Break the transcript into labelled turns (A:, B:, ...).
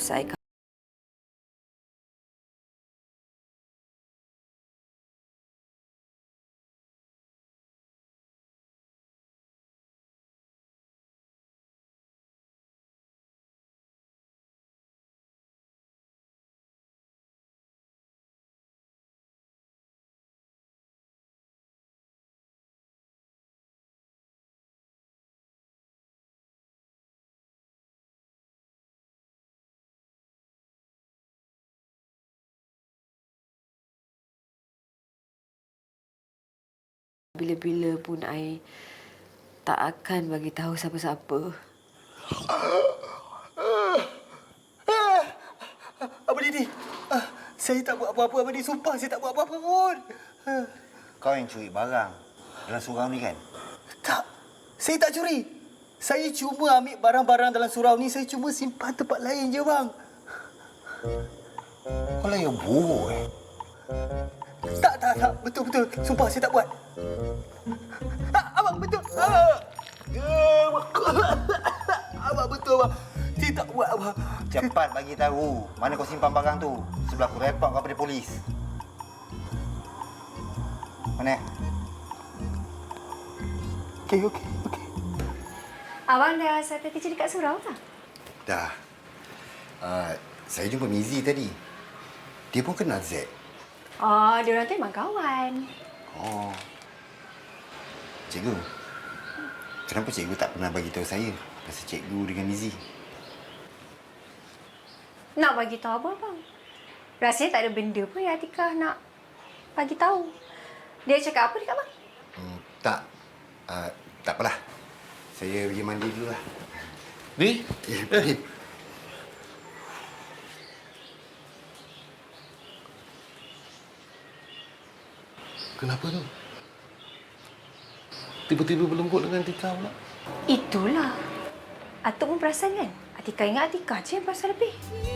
A: selesai. Bila-bila pun I tak akan bagi tahu siapa-siapa.
B: Abang Didi, saya tak buat apa-apa, Abang Didi. Sumpah saya tak buat apa-apa pun.
C: Kau yang curi barang dalam surau ni kan?
B: Tak, saya tak curi. Saya cuma ambil barang-barang dalam surau ni, saya cuma simpan tempat lain je, bang.
C: Kau lah yang buruk
B: Tak. Betul-betul. Sumpah saya tak buat. Abang, betul. Abang, betul, abang. Saya tak buat, abang.
C: Cepat bagi tahu mana kau simpan barang tu. Sebelum aku report kau pada polis. Mana?
B: Okey.
A: Abang dah sampai kerja dekat surau tak?
D: Dah. Saya jumpa Mizi tadi. Dia pun kenal Z.
A: Oh, dia orang tu memang kawan.
D: Oh. Cikgu. Kenapa cikgu tak pernah bagi tahu saya pasal cikgu dengan Mizi?
A: Nak bagi tahu apa, bang? Rasanya tak ada benda pun yang Atikah nak bagi tahu. Dia cakap apa dekat abang?
D: Tak. Tak apalah. Saya pergi mandi dulu lah.
E: Ni? Kenapa tu? Tiba-tiba berlembut dengan Tika pula.
A: Itulah. Atuk pun perasan kan? Atikah ingat Atikah je yang pasal lebih.